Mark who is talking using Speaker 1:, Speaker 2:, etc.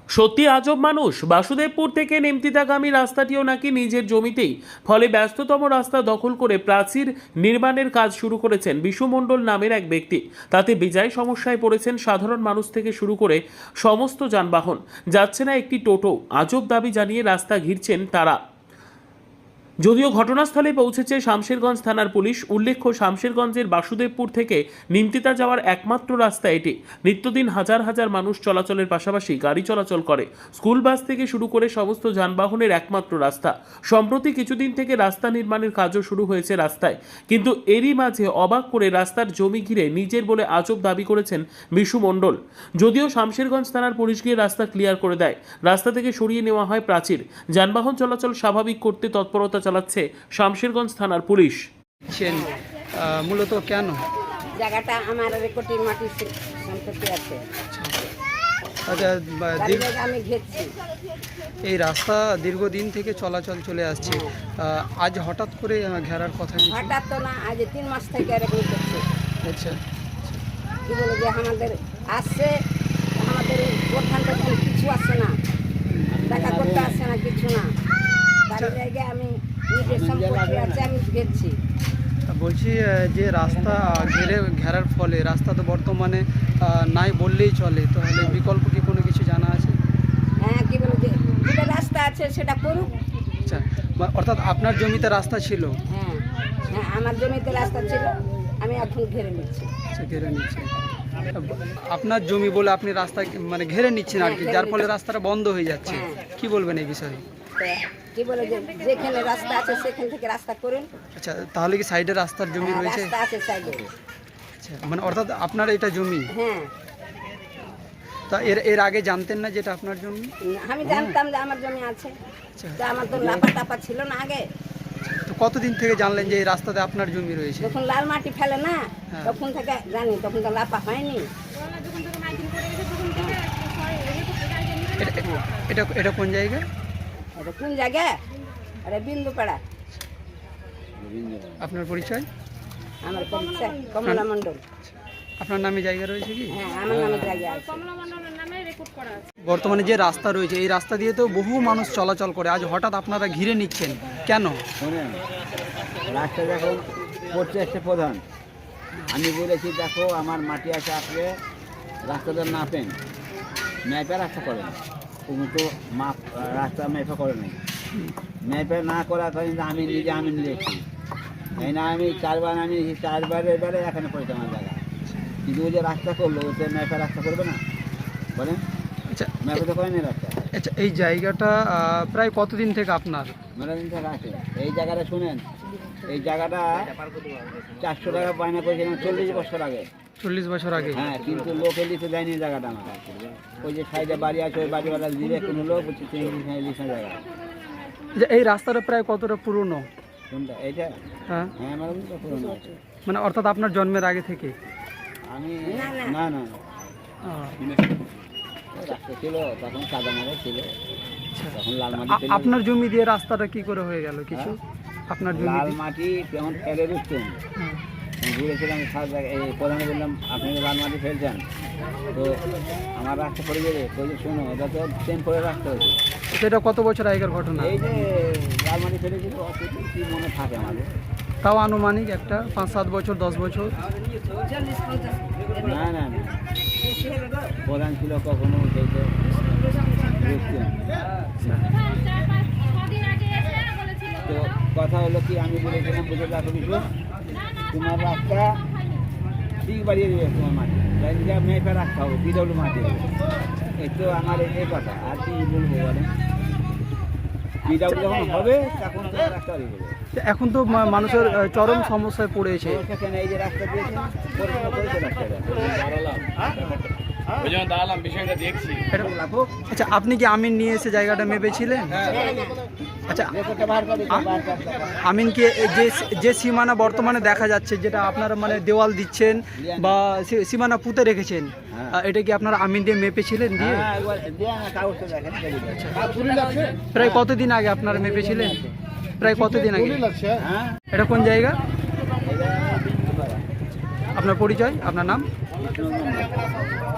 Speaker 1: সত্যি আজব মানুষ। বাসুদেবপুর থেকে নেমতিতাগামী রাস্তাটিও নাকি নিজের জমিতেই, ফলে ব্যস্ততম রাস্তা দখল করে প্রাচীর নির্মাণের কাজ শুরু করেছেন বিশু মণ্ডল নামের এক ব্যক্তি। তাতে বেজায় সমস্যায় পড়েছেন সাধারণ মানুষ থেকে শুরু করে সমস্ত যানবাহন। যাচ্ছে না একটি টোটো। আজব দাবি জানিয়ে রাস্তা ঘিরছেন তারা। যদিও ঘটনাস্থলে পৌঁছেছে শামশেরগঞ্জ থানার পুলিশ। উল্লেখ্য, শামশেরগঞ্জের বাসুদেবপুর থেকে নিমতিতা যাওয়ার একমাত্র রাস্তা এটি। নিত্যদিন হাজার হাজার মানুষ চলাচলের পাশাপাশি গাড়ি চলাচল করে। স্কুল বাস থেকে শুরু করে সমস্ত যানবাহনের একমাত্র রাস্তা। সম্প্রতি কিছুদিন থেকে রাস্তা নির্মাণের কাজও শুরু হয়েছে রাস্তায়, কিন্তু এরই মাঝে অবাক করে রাস্তার জমি ঘিরে নিজের বলে আজব দাবি করেছেন বিশু মণ্ডল। যদিও শামশেরগঞ্জ থানার পুলিশ গিয়ে রাস্তা ক্লিয়ার করে দেয়, রাস্তা থেকে সরিয়ে নেওয়া হয় প্রাচীর। যানবাহন চলাচল স্বাভাবিক করতে তৎপরতা চালাচ্ছে শামশেরগঞ্জ থানার পুলিশ।
Speaker 2: মূলত কেন
Speaker 3: জায়গাটা আমার রেকর্ডিং মাটি সম্পত্তি আছে,
Speaker 2: আচ্ছা,
Speaker 3: আমি ঘেরছি।
Speaker 2: এই রাস্তা দীর্ঘদিন থেকে চলাচল চলে আসছে, আজ হঠাৎ করে ঘেরার কথা কিছু?
Speaker 3: হঠাৎ তো না, আজ 3 মাস থেকে এরকম করছে।
Speaker 2: আচ্ছা,
Speaker 3: কি বলে যে আমাদের আসছে, আমাদের প্রধান কিছু আসছে না, দেখা করতে আসছে না, কিছু না। বাড়ির জায়গায় আমি নিজের সম্পত্তি আছে, আমি ঘেরছি।
Speaker 2: বলছি যে রাস্তা ঘেরার ফলে রাস্তা তো বর্তমানে নাই বললেই চলে, তাহলে বিকল্প কি কোনো কিছু জানা আছে?
Speaker 3: হ্যাঁ, কি বলে যে যেটা রাস্তা আছে সেটা করুক।
Speaker 2: আচ্ছা, অর্থাৎ আপনার জমিতে রাস্তা ছিল?
Speaker 3: হ্যাঁ হ্যাঁ, আমার জমিতে রাস্তা ছিল, আমি এখন ঘেরে নিচ্ছি।
Speaker 2: আচ্ছা, ঘেরে নিচ্ছেন। আপনার জমি বলে আপনি রাস্তা মানে ঘেরে নিচ্ছেন আর কি, যার ফলে রাস্তাটা বন্ধ হয়ে যাচ্ছে। কি বলবেন এই বিষয়ে?
Speaker 3: কি বলে যে যেখানে রাস্তা আছে সেখান থেকে রাস্তা করুন।
Speaker 2: আচ্ছা, তাহলে কি সাইডে রাস্তার জমি রয়েছে?
Speaker 3: রাস্তা আছে সাইডে।
Speaker 2: আচ্ছা, মানে অর্থাৎ আপনার এটা জমি?
Speaker 3: হ্যাঁ।
Speaker 2: তা এর আগে জানতেন না যেটা আপনার জমি?
Speaker 3: আমি জানতাম যে আমার জমি আছে,
Speaker 2: আচ্ছা,
Speaker 3: তো আমার তো লাপা টাপা ছিল না আগে।
Speaker 2: তো কতদিন থেকে জানলেন যে এই রাস্তাতে আপনার জমি রয়েছে?
Speaker 3: যখন লাল মাটি ফেলে না,
Speaker 2: হ্যাঁ,
Speaker 3: তখন থেকে জানি, তখন তো লাপা হয়নি।
Speaker 2: এটা এটা কোন জায়গা?
Speaker 3: এটা কোন জায়গা? আরে বিন্দুপাড়া।
Speaker 2: আপনার পরিচয়?
Speaker 3: আমার পরিচয় কমলা মণ্ডল।
Speaker 2: আপনার নামে জায়গা রয়েছে কি?
Speaker 3: হ্যাঁ, আমার নামে জায়গা আছে।
Speaker 2: বর্তমানে যে রাস্তা রয়েছে এই রাস্তা দিয়ে তো বহু মানুষ চলাচল করে, আজ হঠাৎ আপনারা ঘিরে নিচ্ছেন কেন?
Speaker 4: শোনেন, রাস্তা যখন করছে একটা প্রধান, আমি বলেছি দেখো আমার মাটি আছে, আসলে রাস্তাটা নাপেন, ম্যাপে রাস্তা করেন। তুমি তো মাপ রাস্তা ম্যাপে করে নাই, ম্যাপে না করার কারণে আমি নিয়েছি। এই না, আমি 4 বার আনিয়েছি, 4 বারে এখানে পড়েছে আমার জায়গা। কিন্তু ওই যে রাস্তা করলো, ওতে ম্যাপে রাস্তা করবে না, বলেন?
Speaker 2: আচ্ছা,
Speaker 4: ম্যাপে তো করেনি রাস্তা।
Speaker 2: আচ্ছা, এই জায়গাটা প্রায় কতদিন থেকে আপনার?
Speaker 4: মেলাদিন থেকে আছে এই জায়গাটা। শুনেন, এই জায়গাটা 400 টাকা বায়না করেছিলাম 40 বছর আগে।
Speaker 2: 40 বছর আগে?
Speaker 4: হ্যাঁ, কিন্তু লোকে লিখে দেয়নি জায়গাটা আমার। ওই যে সাইডে বাড়ি আছে, ওই বাড়িওয়ালা দিবে, কোনো লোক লিখে জায়গা।
Speaker 2: যে এই রাস্তাটা প্রায় কতটা পুরনো?
Speaker 4: কোনটা? এইটা?
Speaker 2: হ্যাঁ,
Speaker 4: হ্যাঁ, আমার কিন্তু পুরনো আছে।
Speaker 2: মানে অর্থাৎ আপনার জন্মের আগে থেকে?
Speaker 4: আমি না না রাস্তা ছিল তখন, সাদা মারা ছিল, তখন লাল মাটি ছিল।
Speaker 2: আপনার জমি দিয়ে রাস্তাটা কি করে হয়ে গেল কিছু? আপনার জমি
Speaker 4: লাল মাটি যখন ফেলে দিচ্ছেন, ঘুরেছিলাম সব জায়গায়, এই প্রধানে বললাম আপনি তো লাল মাটি ফেলছেন, তো আমার রাস্তা পড়ে যাবে। তো শোনো, এটা তো চেন করে রাখতে হয়েছে।
Speaker 2: সেটা কত বছর আগের ঘটনা?
Speaker 4: এই যে লাল মাটি ফেলেছিল, কি মনে থাকে আমাদের?
Speaker 2: তাও আনুমানিক একটা 5-7 বছর, 10 বছর?
Speaker 4: না না না, প্রধান ছিল কখনো সেইটা বুঝছেন। তো কথা হলো কি, আমি বলেছিলাম বুঝে রাখো কিছু, তোমার রাস্তা ঠিক বাড়িয়ে দেবে, তোমার মাটি মেপে রাখতে হবে, বিডব্লিউ মাটি দেবে। এই তো আমার এই কথা, আর কি বলবো বলেন? বিডব্লিউ যখন হবে তখন তো রাস্তা বাড়িয়ে দেবে।
Speaker 2: এখন তো মানুষের চরম সমস্যায় পড়েছে।
Speaker 4: কেন এই যে রাস্তা দিয়েছে, পরিষ্কার করেছে রাস্তাটা।
Speaker 2: আচ্ছা, আপনি কি আমিন নিয়ে এসে জায়গাটা মেপেছিলেন? আচ্ছা, আমিনকে যে সীমানা বর্তমানে দেখা যাচ্ছে, যেটা আপনারা মানে দেওয়াল দিচ্ছেন বা সীমানা পুঁতে রেখেছেন, এটা কি আপনারা আমিন দিয়ে মেপেছিলেন? দিয়ে প্রায় কতদিন আগে আপনারা মেপেছিলেন? প্রায় কতদিন আগে? এটা কোন জায়গা? আপনার পরিচয়, আপনার নাম?